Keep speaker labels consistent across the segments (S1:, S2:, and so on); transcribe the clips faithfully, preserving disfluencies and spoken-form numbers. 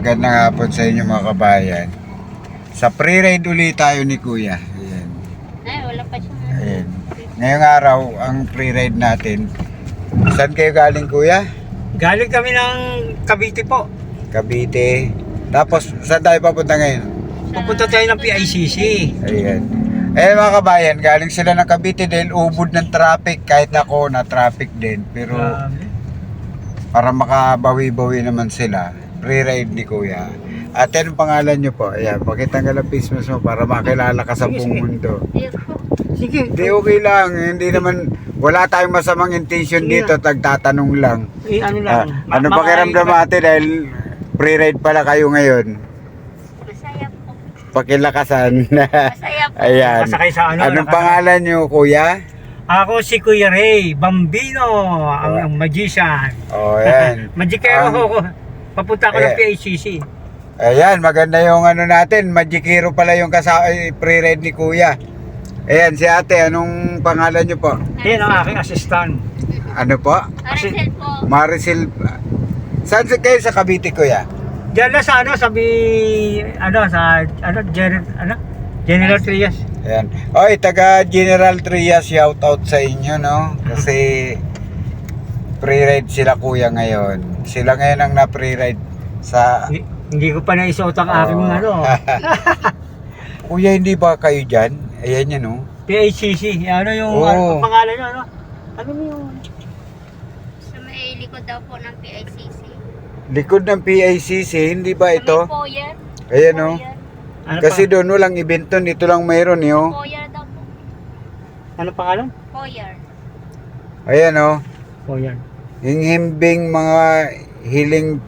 S1: Magandang hapon sa inyo mga kabayan. Sa pre-ride ulit tayo ni Kuya. Ayan.
S2: Ay, wala pa siya.
S1: Ayan. Ngayong araw, ang pre-ride natin. Saan kayo galing, Kuya?
S3: Galing kami ng Cavite po.
S1: Cavite. Tapos, saan tayo papunta ngayon?
S3: Pupunta tayo ng P I C C.
S1: Ayan. Eh mga kabayan, galing sila ng Cavite dahil ubod ng traffic. Kahit ako na traffic din. Pero
S3: Grabe.
S1: para makabawi-bawi naman sila, pre-ride ni Kuya. Ate, anong pangalan nyo po? Ayan, pakita nga lang business mo para makilala ka sa buong mundo.
S3: Sige.
S1: Hindi, okay lang. Hindi naman, wala tayong masamang intention
S3: Sige.
S1: dito. Tagtatanong lang.
S3: Eh, ano
S1: Ah,
S3: lang.
S1: ano
S3: ma-
S1: pakiramdam
S3: ma-
S1: ate dahil pre-ride pala kayo ngayon?
S2: Masaya po.
S1: Pakilakasan.
S2: Masaya po.
S1: Ayan.
S3: Masakay sa ano,
S1: Anong
S3: naka-
S1: pangalan nyo, Kuya?
S3: Ako si Kuya Ray Bambino, ang, ang magician.
S1: Oh, ayan.
S3: Magikero
S1: Ang-
S3: ako. Papunta ako ng
S1: Ayan.
S3: P I C C.
S1: Ayan, maganda yung ano natin. Magikiro pala yung kasa eh, pre-ride ni Kuya. Ayan, si ate, anong pangalan nyo po?
S3: Yan ang aking assistant.
S1: Ano po?
S2: Maricel po.
S1: Maricel. Saan si- kayo sa Cavite, Kuya?
S3: Diyan na sa ano, sabi, ano, sa, ano, General, ano, General Trias.
S1: Ayan. Oy, taga General Trias, shout out sa inyo, no? Kasi pre-ride sila Kuya ngayon. Sila ngayon ang na-pre-ride sa...
S3: Hindi, hindi ko pa naisuot ang aking
S1: Oh.
S3: ano,
S1: Kuya, hindi ba kayo dyan? Ayan yan, no?
S3: P I C C. Ano yung,
S1: Oo.
S3: ano, ang pangalan nyo, ano? Ano mo yung,
S2: Sa may likod daw po ng P I C C.
S1: Likod ng P I C C, hindi ba
S2: Sa
S1: ito?
S2: may foyer.
S1: Ayan, no?
S2: Foyer.
S3: ano
S1: Kasi
S3: pa,
S1: doon walang event doon, dito lang mayroon, yo.
S2: Foyer daw po.
S3: ano pangalan?
S2: Foyer.
S1: Ayan, no?
S3: Oh, yan.
S1: Yung himbing mga hiling...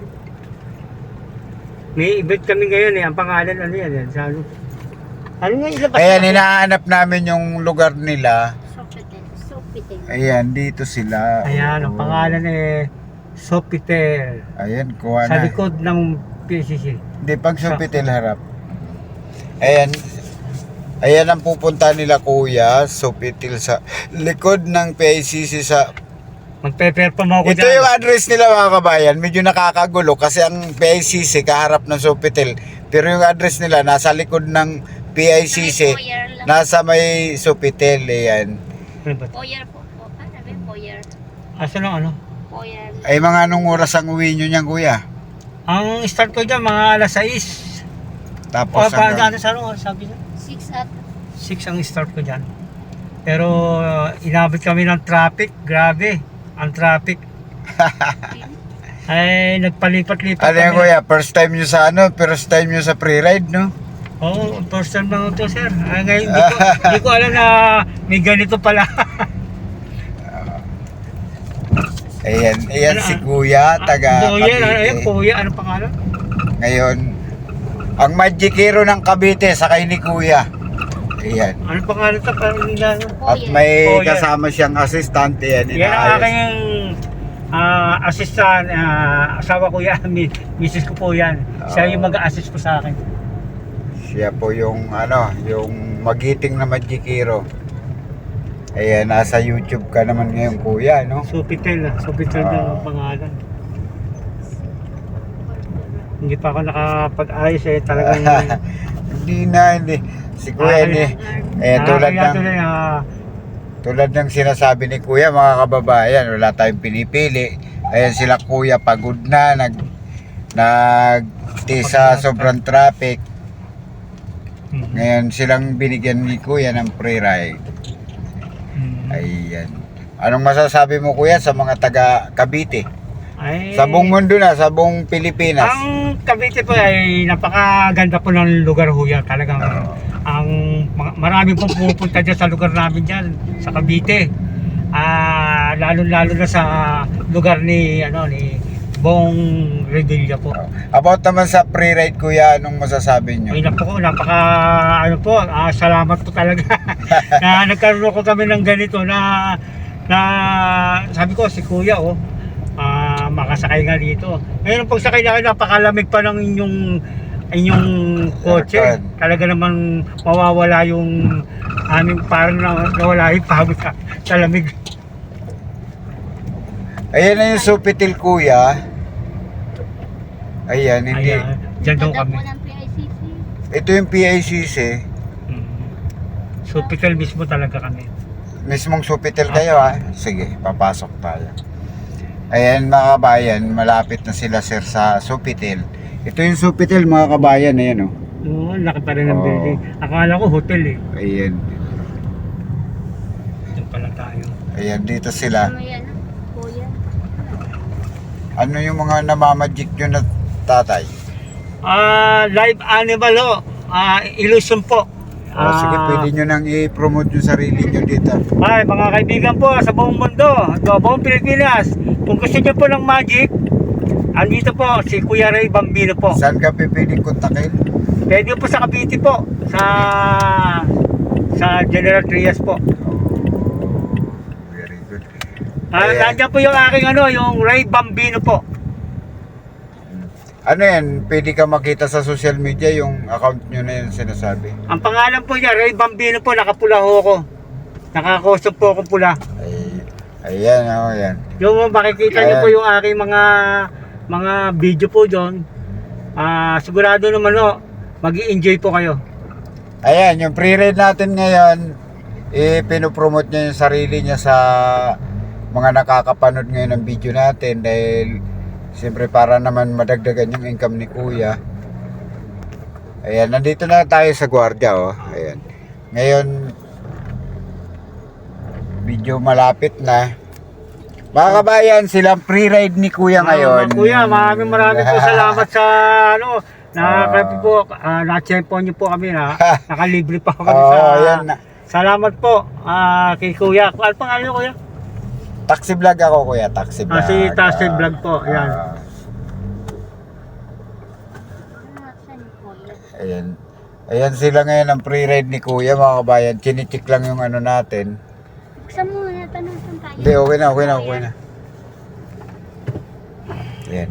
S3: May event kami ngayon eh. Ang pangalan ano yan? yan sa ano? Ano nga ilabas?
S1: Ayan, hinahanap namin yung lugar nila.
S2: Sopitel. Sopitel.
S1: Ayan, dito sila.
S3: Ayan, ang
S1: Oo.
S3: pangalan eh Sopitel.
S1: Ayan, kuha
S3: Sa
S1: na.
S3: likod ng P I C C.
S1: Hindi, pag Sopitel harap. Ayan. Ayan ang pupunta nila Kuya, Sopitel sa likod ng P I C C sa...
S3: Magpe-perform ako
S1: Ito
S3: dyan.
S1: yung address nila mga kabayan. Medyo nakakagulo kasi ang P I C C kaharap ng Sopitel. Pero yung address nila nasa likod ng P I C C.
S2: Sa may foyer lang.
S1: Nasa may Sopitel. Ayan.
S3: Ano ba?
S2: Foyer po po. Ah, sabi foyer.
S3: Asa lang ano?
S2: Foyer.
S1: Ay mga anong oras ang uwi nyo niyan Kuya?
S3: Ang start ko dyan mga alas sais.
S1: Tapos
S3: O, pa,
S1: hanggang...
S3: ano sa ano? Sabi niya?
S2: Six at
S3: six ang start ko dyan. Pero uh, inabot kami ng traffic. Grabe. Ang traffic. Ay, nagpalipat-lipat
S1: Ano yan
S3: kami.
S1: Kuya? First time nyo sa ano? First time nyo sa pre-ride, no?
S3: Oo, oh, first time lang ito, sir. Ah, ngayon, di ko, di ko alam na may ganito pala.
S1: Ayan, ayan
S3: Ano,
S1: si Kuya, taga
S3: Kuya, ano, ayan,
S1: Cavite.
S3: Kuya, ano pangalan?
S1: Ngayon, ang magikiro ng Cavite, sakay ni Kuya. Ayan.
S3: Ano pangalan ito? Parang nila, ano?
S1: At
S2: foyer.
S1: may
S3: Kuya.
S1: kasama siyang assistant, ayan,
S3: Yan ang
S1: inaayos.
S3: aking ah, assistant, ah, asawa ko yan, mi- misis ko po yan. Siya yung
S1: Oo.
S3: mag-assist po sa akin.
S1: Siya po yung, ano, yung magiting na magikiro. Ayan, nasa YouTube ka naman ngayon, Kuya, no?
S3: Sopitel, ah. Sopitel
S1: Oo.
S3: na ang pangalan. Hindi pa ako nakapag-ayos eh, talagang...
S1: Hindi na, hindi. Si Kuya,
S3: Ah,
S1: hindi. Eh, tulad
S3: kaya
S1: ng...
S3: tuloy, ah,
S1: Tulad ng sinasabi ni Kuya, mga kababayan, wala tayong pinipili. Ayan sila Kuya, pagod na, nag nag sa sobrang traffic.
S3: mm,
S1: Ngayon silang binigyan ni Kuya ng free ride.
S3: mm.
S1: Ayan. Anong masasabi mo Kuya sa mga taga Cavite?
S3: Ay,
S1: Sa buong mundo na, sa buong Pilipinas.
S3: ang Cavite po ay napakaganda po ng lugar ho yan. Talagang
S1: Oo.
S3: ang mga- marami pong pupunta dyan sa lugar namin dyan, sa Cavite. Ah, lalo-lalo na sa lugar ni ano ni Bong Revilla po.
S1: About naman sa free ride Kuya, anong masasabi nyo?
S3: Ay napo ko, napaka ano po, ah, salamat po talaga na nagkaroon ko kami ng ganito na na sabi ko si Kuya oh, ah, makasakay nga dito. Ngayon pag sakay na kayo, napakalamig pa ng inyong inyong kotse.
S1: Aircon.
S3: Talaga namang mawawala yung aming parang na, nawala yung pagod sa, sa lamig.
S1: Ayan na yung Sopitel Kuya. Ayan, hindi.
S3: Ayan. Diyan daw
S2: Ganda
S3: kami.
S2: po ng P I C C.
S1: Ito yung P I C C.
S3: Mm. Sopitel mismo talaga kami.
S1: Mismong Sofitel kayo ha. Sige, papasok tayo. Ayan mga kabayan, malapit na sila sir sa Sofitel. Ito yung Sofitel mga kabayan, ayan o.
S3: Oo, laki pa rin ng
S1: Oo.
S3: building. Akala ko hotel eh.
S1: Ayan.
S3: Diyan pala tayo.
S1: Ayan, dito sila.
S2: May ano, kuya.
S1: Ano yung mga namamagic nyo na tatay?
S3: Ah, live animal ho. Ah, illusion po.
S1: Oh, sige,
S3: Ah,
S1: pwede nyo nang i-promote yung sarili nyo dito.
S3: Ay, mga kaibigan po sa buong mundo, sa buong Pilipinas, kung gusto niyo po ng magic, andito po si Kuya Ray Bambino po.
S1: Saan ka pwedeng kontakin?
S3: Pwede po sa Cavite po, sa sa General Trias po.
S1: Very good.
S3: Ah,
S1: Ayan.
S3: nandiyan po yung aking ano, yung Ray Bambino po.
S1: Ano yan? Pwede ka makita sa social media yung account nyo na yun sinasabi.
S3: Ang pangalan po niya, Ray Bambino po, nakapula ho ako. Nakakosop po akong pula.
S1: Ay, ayan, oh, ayan.
S3: Yung makikita niyo
S1: Ayan.
S3: po yung aking mga mga video po doon. Ah, sigurado naman ho, mag-i-enjoy po kayo.
S1: Ayan, yung pre-read natin ngayon, eh, pinopromote niya yung sarili niya sa mga nakakapanood ngayon ng video natin dahil siyempre para naman madagdagan yung income ni Kuya. Ayan, nandito na tayo sa gwardiya, oh. Ayan. Ngayon, medyo malapit na. Mga kabayan, silang pre-ride ni Kuya ngayon.
S3: Ah, Kuya, maraming maraming po salamat sa ano, nakakapi po, uh, na-champion niyo po kami na, nakalibre pa kami
S1: Oo,
S3: sa,
S1: ayan na.
S3: salamat po ah, kay Kuya. Ano pangalan niyo, Kuya?
S1: Taxi vlog ako, Kuya, taxi vlog.
S3: Ah, si Taxi Vlog po, ayan.
S1: Ah,
S2: Ano, saan yung kuya?
S1: ayan. Ayan sila ngayon ang pre-ride ni Kuya, mga kabayan. Chinichik lang yung ano natin.
S2: Buksan mo na, tanong saan tayo.
S1: Hindi, okay na, okay na, okay na. Ayan.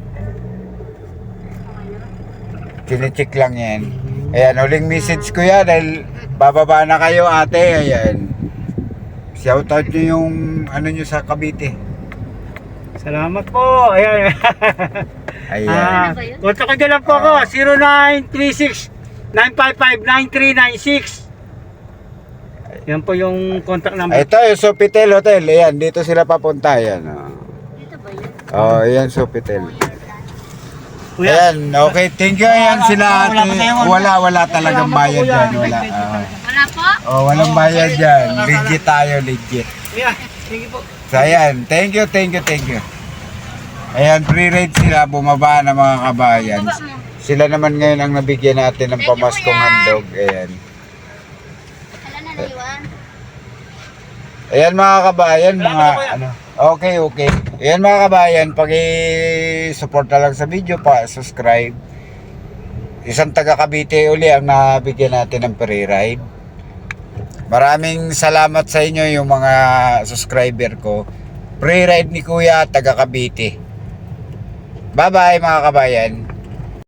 S1: Chinichik lang yan. Ayan, huling message ko yan dahil bababa na kayo ate. Ayan. Shoutout nyo yung ano nyo sa Cavite.
S3: Salamat po, ayan.
S1: Ayan.
S3: Ah,
S2: Ano ba yun?
S3: kontak ko lang po ako, zero nine three six nine five five nine three nine six. Yan po yung contact number.
S1: Ito yung Sofitel Hotel. Ayan, dito sila papunta. Ayan. Oh,
S2: Dito ba yun?
S1: oh ayan Sofitel.
S3: Kuya,
S1: Ayan, okay. Thank you. Ayan sila ate.
S3: Wala pa tayo.
S1: Wala, wala talagang
S3: Salamat po,
S1: bayad
S3: Kuya.
S1: dyan. Wala. ah.
S2: Wala po?
S1: Oh, walang bayad dyan. Legit tayo, legit.
S3: Kuya, sige po.
S1: So ayan, thank you, thank you, thank you. Ayan, pre-rate sila, bumaba na mga kabayan.
S2: Baba mo.
S1: Sila naman ngayon ang nabigyan natin ng
S2: Thank you,
S1: pamaskong
S2: Kuya.
S1: handog. Ayan.
S2: Wala na naiwan.
S1: Ayan mga kabayan,
S3: Salamat
S1: mga
S3: po, Kuya.
S1: ano. Okay, okay. Ayan mga kabayan, paki-support na lang sa video pa, subscribe. Isang taga Cavite uli ang nabigyan natin ng pre-ride. Maraming salamat sa inyo yung mga subscriber ko. Pre-ride ni Kuya, taga Cavite. Bye-bye mga kabayan.